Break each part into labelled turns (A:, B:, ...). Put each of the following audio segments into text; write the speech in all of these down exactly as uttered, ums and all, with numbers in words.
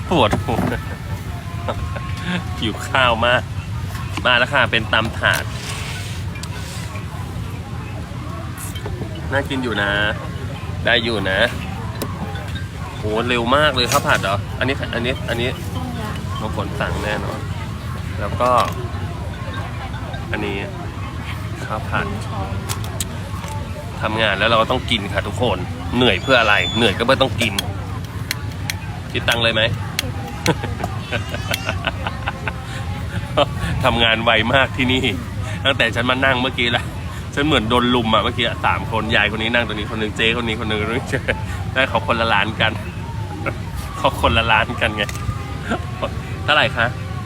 A: ปวดหัวหิวข้าวมากมาแล้วค่ะเป็นตำถาดน่ากินอยู่นะได้อยู่นะโหเร็วมากเลยข้าวผัดเหรออันนี้อันนี้อันนี้น้องฝนสั่งแน่นอนแล้วก็อันนี้ข้าวผัดทำงานแล้วเราก็ต้องกินค่ะทุกคนเหนื่อยเพื่ออะไรเหนื่อยก็ไม่ต้องกินคิดตังค์เลยไหม ทำงานไวมากที่นี่ตั้งแต่ฉันมานั่งเมื่อกี้ละฉันเหมือนโดนลุมอ่ะเมื่อกี้สามคนยายคนนี้นั่งตัวนี้คนหนึ่งเจ๊คนนี้คนหนึ่งได้เขาคนละล้านกันเขาคนละล้านกันไงเท่าไหร่คะ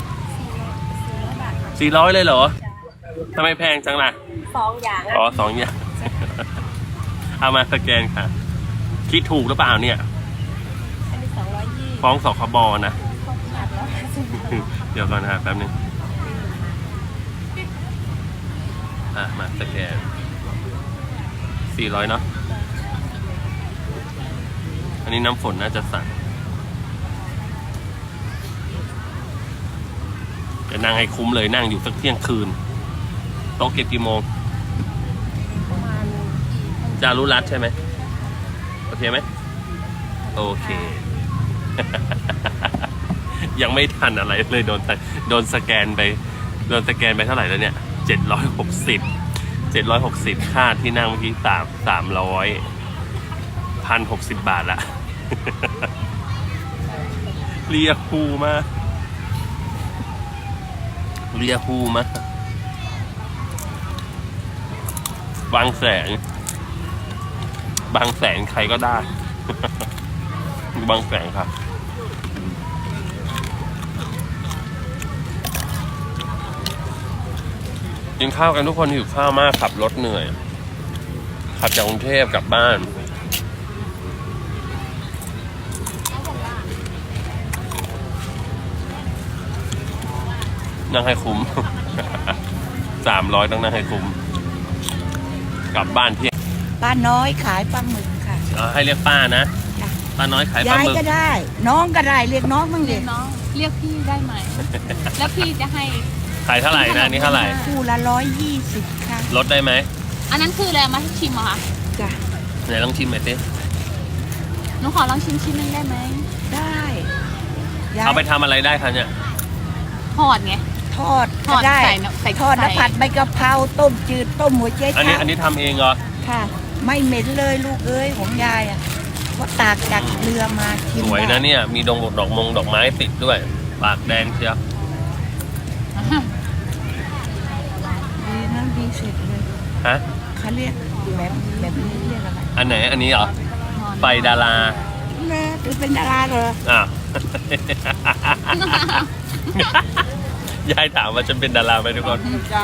A: สี่ร้อยเลยเหรอทำไมแพงจังล่ะ
B: สองอย่าง
A: อ๋อสองอย่างเอามาสแกนค่ะคิดถูกหรือเปล่าเนี่ย
B: อันนี้สองร้อยยี่
A: ฟ้องสคบนะเดี๋ยวก่อนนะแป๊บนึงอ่ะมาสแกนสี่ร้อยเนาะอันนี้น้ำฝนน่าจะสั่งจะนั่งให้คุ้มเลยนั่งอยู่สักเที่ยงคืนโต๊ะเก็บกี่โมงจารุรัตน์ใช่ไหมโอเคไหมโอเค ยังไม่ทันอะไรเลยโดนโดนสแกนไปโดนสแกนไปเท่าไหร่แล้วเนี่ยเจ็ดร้อยหกสิบเจ็ดร้อยหกสิบค่าที่นั่งเมื่อกี้สามสามร้อยพันหกสิบบาทละ เรียคูมาเรียคูมาบางแสนบางแสนใครก็ได้ บางแสนครับกินข้าวกันทุกคนหิวข้าวมากขับรถเหนื่อยขับจากกรุงเทพกลับบ้านนั่งให้คุ้ม สามร้อยต้องนั่งให้คุ้มกลับบ้านเที่ยง
B: ป้าน้อยขายปลาหมึกค่ะ
A: ให้เรียกป้านะป้าน้อยขายปลาหมึก
B: ยายก็ได้น้องก็ได้เรียกน้องบ้างเรียก
C: น้องเรียกพี่ได้ไหม แล้วพี่จะให้
A: ขายเท่าไหร่นะนี่เท่าไหร่
B: คู่ละร้อยยี่สิบค่ะ
A: ลดได้ไหม
C: อันนั้นคืออะไรมาให้ชิมเหรอคะ
B: จ้ะ
A: ไหนลองชิมหน่อยสิ
C: หนูขอลองชิมชิ้นนึงได้ไหม
B: ได้
A: เอาไปทำอะไรได้คะเนี่ย
C: ทอดไง
B: ทอดก็ได้ทอดแล้วผัดใบกะเพราต้มจืดต้มหัวเจ๊
A: อันนี้อันนี้ทำเองเหรอ
B: ค่ะไม่เหม็นเลยลูกเอ้ยของยายอ่ะเพราะตากจากเรือมากิน
A: สวยนะเนี่ยมีดงดอกมงดอกไม้ติดด้วยปากแดงเชียว
B: ดีนะดีเสร็จเลย
A: ฮะ
B: เขาเรียกแบบแบบนี้เรียกอะไร
A: อันไหนอันนี้เหรอไฟดารา
B: แม่ถือเป็นดาราเหรอ
A: อ้าวยายถามว่าฉันเป็นดาราไหมทุกคน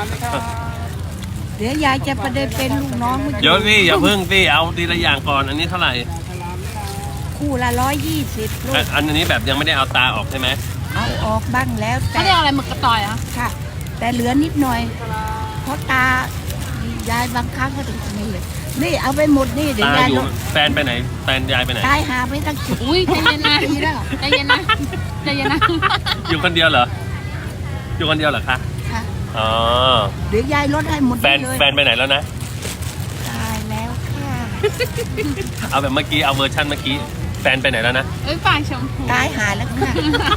B: เดี๋ยวยายจะประเดี๋ยวเป็นลูกน้อง
A: เดี๋ยวสิอย่าเพิ่งสิเอาทีละอย่างก่อนอันนี้เท่าไหร่
B: คู่ละร้อยยี่สิบลูก
A: อันนี้แบบยังไม่ได้เอาตาออกใช่ไหม
B: เอาออกบ้างแล้ว
C: แต่เขาเรียกอะไรหมึกกระต่อยอ่ะ
B: ค่ะแต่เหลือนิดหน่อยเพราะตายายบางครั้งก็ถึงนี่เลยนี่เอาไปหมดนี่เดี๋ยวยาย
A: แฟนไปไหนแฟนยายไปไหน
B: ตายหาไม่ตั้งสิบ
C: อุ้ยใจเย็นนะใจเย็นนะใจเย็นนะ
A: อยู่คนเดียวเหรออยู่คนเดียวเหรอคะ
B: ค่ะ
A: อ๋อ
B: เดี๋ยวยายลดให้หมด
A: แฟนแฟนไปไหนแล้วนะ
B: ตายแล้วค่ะ
A: เอาแบบเมื่อกี้เอาเวอร์ชันเมื่อกี้แฟนไปไหนแล้วนะ
C: เอ้ยปากชมพู
B: ตายหาแล้วค่ะ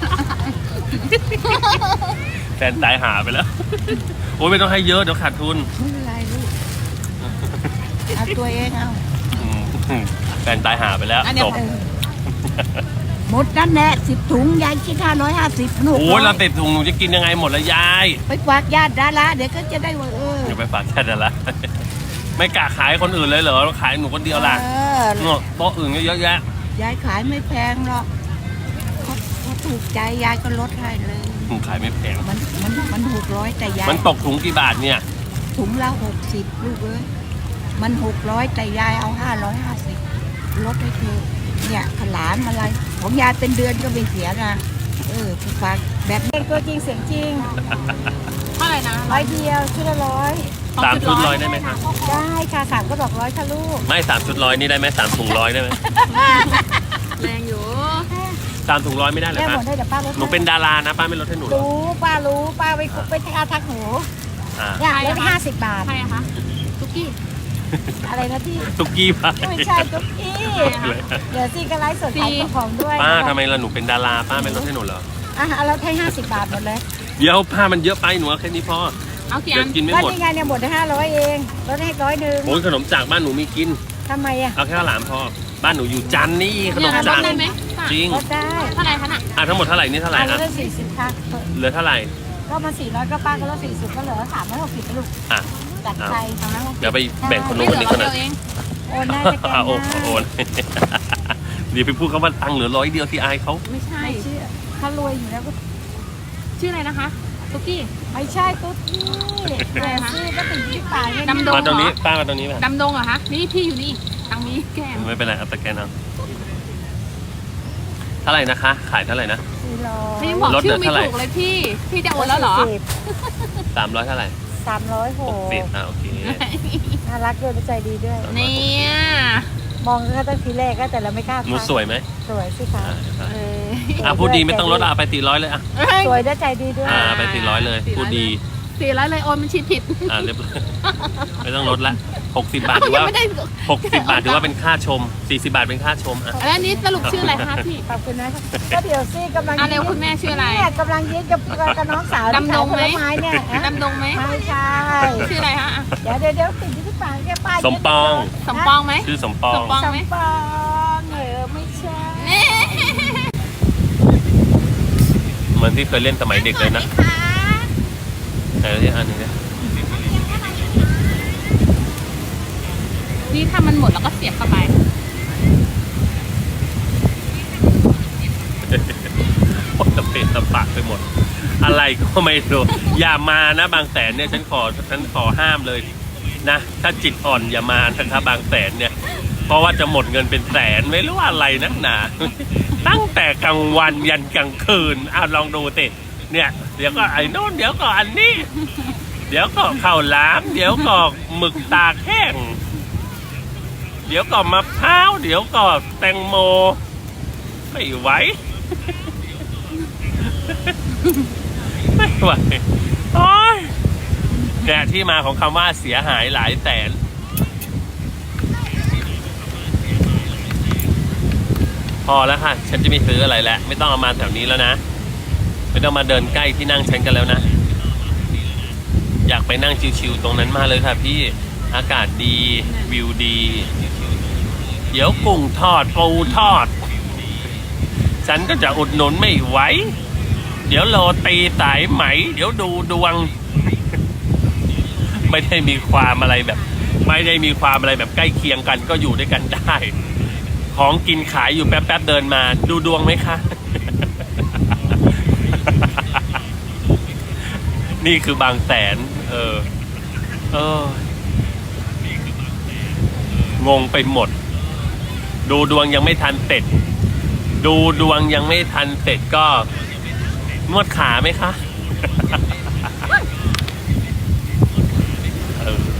A: แฟนตายหาไปแล้วโอ้ยไม่ต้องให้เยอะเดี๋ยวขาดทุน
B: ไม่เป็นไรลูกเอาตัวเองเอา
A: แฟนตายหาไปแล้วจบ
B: หมดนั่นแหละสิบถุงยายคิดห้าร้อยห้าสิบหนู
A: โอ้ยเราติดถุงหนูจะกินยังไงหมดละยาย
B: ไปฝากญาติดาราเดี๋ยวก็จะได้ว่าเออ
A: อย่าไปฝากญาติดาราไม่กล้าขายคนอื่นเลยเหรอขายหนูคนเดียวล่ะเนาะโต๊ะอื่นก็เยอะแยะ
B: ยายขายไม่แพงหรอกเขาเขาถูกใจยายก็ลดให้เลย
A: ขายไม่แพง
B: มันมันมันหกร้อยแต่ยาย
A: มันตกถุงกี่บาทเนี่ย
B: ถุงละหกสิบลูกเอ้ยมันหกร้อยแต่ยายเอาห้าร้อยห้าสิบลดให้เธอเนี่ยขลานอะไรของยายเป็นเดือนก็ไม่เสียนะเออฝากแบบนี้ก็จริงเสียงจริง
C: เท่าไหร่นะ
B: ร้อยเดียวชุดละร้อย
A: สามชุดร้อยได้ไหมคะ
B: ได้ค่ะสามก็บอกร้อยค่ะลูก
A: ไม่สามชุดร้อยนี่ได้ไหมสามถุงร้อยได้ไหม
C: แรงอยู่
A: สามถุงร้อยไม่ได้เหรอ
B: แม่ห
A: คะ
B: มดได้แต่ป้าลด
A: หนูเป็นดารานะป้าไม่ลดให้หนูหรอ
B: รู้ป้ารู้ป้าไปไปอาทักหนู
A: อ่า
B: เนี่ยลดห้าสิบบาท
C: ใครอะคะตุ๊กกี้
B: อะไรนะพี่
A: ตุกกี้ป้า
B: ไม่ใช่ตุ๊กกี้เดี๋ยวซี่ก็ไลฟ์สดขายของด้วย
A: ป้าทำไมล่ะหนูเป็นดาราป้าไม่ลดให้หนูเหรอ
B: อ่ะเอาเราให้ห้าสิบบาทหมดเลย
A: เดี๋ยวผ้ามันเยอะไปหนูเอาแค่นี้พอ
C: เอากี่
A: เดี๋
C: อั
A: ยวน กินไม่
B: ก็
A: หมด
B: นี่ไงเนี่ยหมดได้ห้าร้อยเองลดให้ร้อยหนึ่ง
A: โอ้ยขนมจากบ้านหนูมีกิน
B: ทำไมอ่ะ
A: เอาแค่ข้าวหลามพอบ้านหนูอยู่จันทร์นี่ขนม
C: เนี่ยล
A: จา
C: ด
A: ก
C: ได้ไหมป้า
A: จริง
B: ลดได้
C: เท่าไหร่คะน่ะ
A: อ่ะทั้งหมดเท่าไหร่นี่เท่าไหร่
B: อ่ะล
A: อ่ะ
B: ดได้สี่สิบค่ะ
A: เหลือเท่าไหร่
B: ก็มาสี่ร้อยก็ป้าก็ลดสี่สิบก็เหลือสามร้อยหกสิบลูก
A: อ่ะ
B: จัดใจสามร้อยหกสิบ
A: เดี๋ยวไปแบ่งคน
C: ไม่
A: นู้น
C: เห
A: ค
C: ลื
A: น
C: อ
A: นี้
C: คน
A: คน
C: เดี
A: นั้
C: ยวน เอง
B: โอนได้จะแก
A: อ่ะ
B: น
A: โอน
B: ได้
A: โอน เดี๋ยวไปพูดคำว่าตังค์เหลือร้อยเดียวที่อายเขา
C: ไม่ใช่
B: ไม่เชื่อถ้ารวยอยู่แล้วก็
C: ชื่ออะไรนะคะตุ๊กกี้
B: ไม่ใช่ตุ๊ดนี่แหวนซื้อก็ติดที่ปากเนี่ย
C: ดำดง
A: มาตรงนี้ป้ามาตรงนี้มา
C: ดำดงเหรอคะนี่พี่อยู่นี่ตังมีแก้ม
A: ไม่เป็นไรเอาตะแกรงเอาเท่าไหร่นะคะ ขายเท่าไหร่นะ
B: สี่ร้อย
C: ไม่บอก
A: ลดเหลื
C: ชื่
A: อ
C: อไม่
A: เท่าไหร่
C: ถูกเลยพี่ พี่จะโอนแล้วเหรอ
A: สามร้อยเท่าไหร่
B: สามร้อยห
A: ห
B: ก
A: กสิบอ่ะโอเค
B: น่ารักด้วยและใจดีด้วย
C: เนี่ย
B: มองก็ตั้งทีแรกก็แต่เราไม่กล้า
A: หนู
B: ทัก
A: สวยไหม
B: สวยสิคะ
A: อ่าเดี๋ยวไป
C: เออ
A: อ่ะพูดดีไม่ต้องลดอ่ะไปตีร้อยเลยอ่ะ
B: สวยและใจดีด้วย
A: อ่าไปตีร้อยเลยพูดดี
C: สี่ร้อยเลยโอนมันชิดผิด
A: อ่าเรียบร้อยไม่ต้องลดละหกสิบบาท
C: เอ้า
A: ถือ
C: ยัง
A: ว่า
C: ไม่ได้
A: หกสิบบาทถือว่าเป็นค่าชมสี่สิบบาทเป็นค่าชมอ่ะ
C: แล้วอันนี้สรุปชื่ออะไรคะพี่
B: ขอบคุณนะคะก็เดี๋ยวซี่กำลัง
C: อ่ะเร็วคุณแม่ชื่ออะไร
B: เนี่ยกำลังยิ้มกับกับน้องสาวที่
C: ดำดงไหม
B: ขายผลไม้เนี่ยอ่ะ
C: ดำดงไหม
B: ไม่ใช่
C: ชื่ออะไรคะอ่ะ
B: เดี๋ยวเดี๋ยวเดี๋ยวติดอยู่ที่ปากแกป้า
A: สมปอง
C: สมปองไหม
A: ชื่อสมปอง
C: สมปอง
B: สมปองเออไม่ใช่
C: นี่
A: เหมือนที่เคยเล่นสมัยเด็กเลยนะไหนที่อันนี้เนี่ย
C: นี่ถ้ามันหมดแล้วก็เสียบเข้าไป
A: หมดตะเปะตะปากไปหมด อะไรก็ไม่รู้อย่ามานะบางแสนเนี่ยฉันขอฉันขอห้ามเลยนะถ้าจิตอ่อนอย่ามานะครับบางแสนเนี่ย เพราะว่าจะหมดเงินเป็นแสนไม่รู้อะไรนักหนาตั้งแต่กลางวันยันกลางคืนอ่ะลองดูสิเนี่ยเดี๋ยวก็ไอ้โน่นเดี๋ยวก็อันนี้ เดี๋ยวก็ข้าวหลาม เดี๋ยวก็หมึกตากแห้งเดี๋ยวก็มะพร้าวเดี๋ยวก็แตงโมไม่ไหว ไม่ไหวโอ้ยเนี่ยที่มาของคำว่าเสียหายหลายแสนพอแล้วค่ะฉันจะไม่ซื้ออะไรแล้วไม่ต้องเอามาแถวนี้แล้วนะไม่ต้องมาเดินใกล้ที่นั่งฉันกันแล้วนะอยากไปนั่งชิวๆตรงนั้นมาเลยค่ะพี่อากาศดีวิวดี เดี๋ยวกุ้งทอดปูทอดฉันก็จะอุดหนุนไม่ไหวเดี๋ยวโรตีสายไหมเดี๋ยวดูดวง ไม่ได้มีความอะไรแบบ ไม่ได้มีความอะไรแบบใกล้เคียงกันก็อยู่ด้วยกันได้ของกินขายอยู่แป๊บๆเดินมาดูดวงไหมคะ นี่คือบางแสนเออเอองงไปหมดดูดวงยังไม่ทันเสร็จดูดวงยังไม่ทันเสร็จก็นวดขาไหมคะ เออ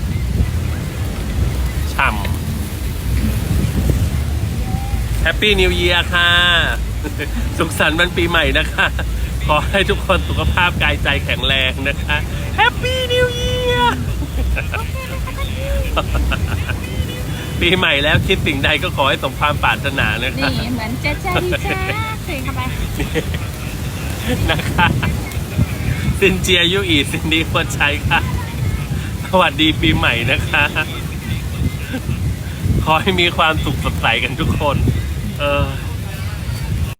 A: ช่ำแฮปปี้นิว e ียร์ค่ะ สุขสันต์วันปีใหม่นะคะ ขอให้ทุกคนสุขภาพกายใจแข็งแรงนะคะแฮปปี้นิว e ียร์ ปีใหม่แล้วคิดสิ่งใดก็ขอให้สมความปรารถนานะคะ
C: นี่เหมือนเจ๊เจ๊ดีจ้าเสียเข้าไป
A: นะคะซินเจียยุอีซินดีควรใช้ค่ะสวัสดีปีใหม่นะคะ ขอให้มีความสุขสดใสกันทุกคน เออ